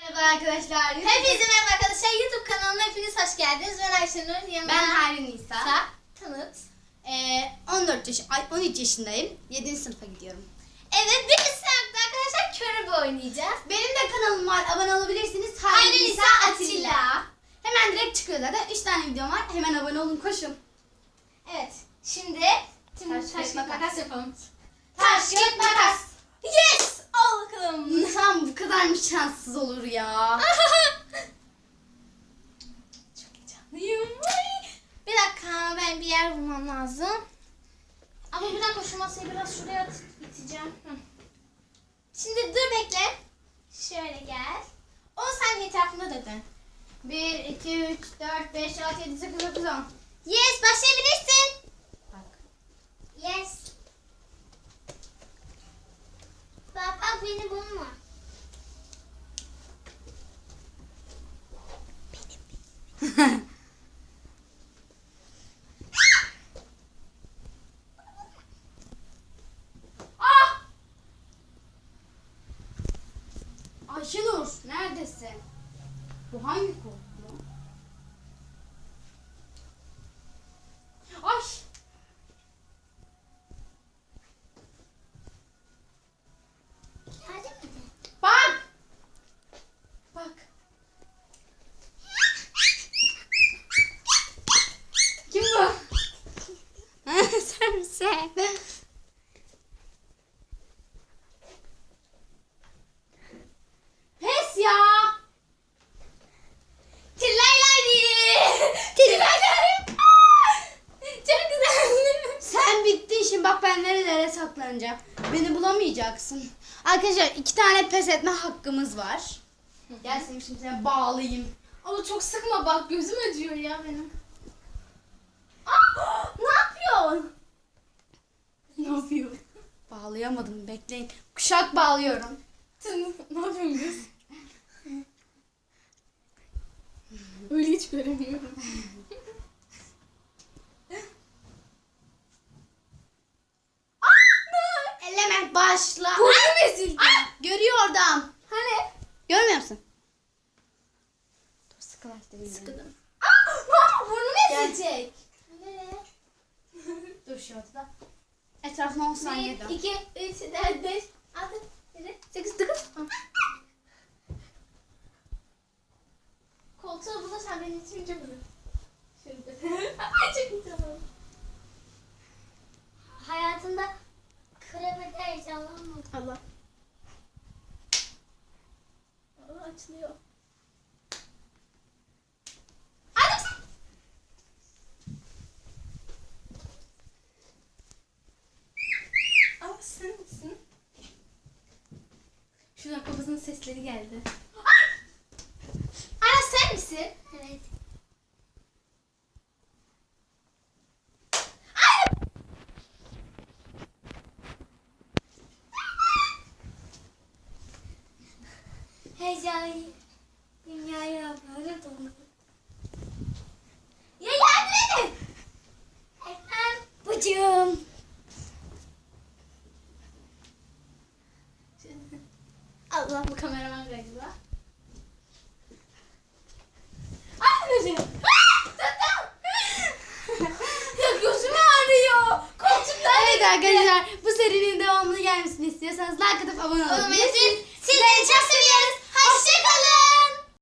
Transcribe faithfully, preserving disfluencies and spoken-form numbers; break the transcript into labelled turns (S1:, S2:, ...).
S1: Merhaba arkadaşlar.
S2: Hepinize merhaba arkadaşlar. YouTube kanalıma hepiniz hoş geldiniz. Ben Ayşenur. Yanımda
S1: Ben Hayri Nisa.
S2: Nisa. Tanıt.
S1: Ee, on dört yaş, ay on üç yaşındayım. yedinci sınıfa gidiyorum.
S2: Evet, bir sınıfta arkadaşlar körebe oynayacağız.
S1: Benim de kanalım var. Abone olabilirsiniz.
S2: Hayri
S1: Hayri
S2: Nisa
S1: Nisa
S2: Atilla.
S1: Atilla. Hemen direkt çıkıyor zaten. üç tane videom var. Hemen abone olun, koşun.
S2: Evet. Şimdi tüm
S1: Taş,
S2: taş,
S1: kağıt,
S2: kağıt,
S1: makas.
S2: makas yapalım. Taş, kağıt, makas. Yes! Al bakalım.
S1: İnsan bu kadar mı şanssız olur ya?
S2: Çok heyecanlıyım. Ay. Bir dakika, ben bir yer bulmam lazım. Ama bir dakika, şu masayı biraz şuraya at- iteceğim. Hı. Şimdi dur bekle. Şöyle gel. on saniye etrafında da dön.
S1: bir, iki, üç, dört, beş, altı, yedi, sekiz, dokuz, on.
S2: Yes, başlayabilirsin.
S1: Bak.
S2: Yes. Bak bak, beni bulma.
S1: Ah! Ayşenur, neredesin? Bu hangi kod? Ay!
S2: Hadi mi?
S1: Bak! Bak. Kim bu? Sen misin? Pes ya!
S2: Tillaylaydi. Tillaylaydi. Çok güzel.
S1: Sen bittin şimdi, bak ben nerelere saklanacağım. Beni bulamayacaksın. Arkadaşlar iki tane pes etme hakkımız var. Gel seni şimdi sana bağlayayım.
S2: Ama çok sıkma bak, gözüm acıyor ya benim. Aa, ne yapıyorsun?
S1: Ne yapıyor? Bağlayamadım, bekleyin. Kuşak bağlıyorum.
S2: Sen ne yapıyorsun kız? Öyle hiç göremiyorum.
S1: Element başla.
S2: Burnum ezildi.
S1: Görüyor oradan.
S2: Hani?
S1: Görmüyor musun? Dur sıkılaştırayım. beni.
S2: Sıkıldım. Aa, ne yapıyor? Burnum
S1: Gel.
S2: ezilecek. Nereye?
S1: Dur şu ortada. Etrafına on saniye dön.
S2: bir, iki, üç, dört, beş, altı, yedi, sekiz, dokuz. Koltuğa bulursan beni itirince bulur. Şurada. Ay çok güzel. Hayatımda kremede heyecanlanmadım.
S1: Allah.
S2: Allah açılıyor. Annem sen. Aa, sen misin? Şuradan kafasının sesleri geldi. Ana sen misin? Evet. Heyecanlı. Dünyaya böyle dolu. Ya yardım edin. Efendim bacım. Allah, bu kameraman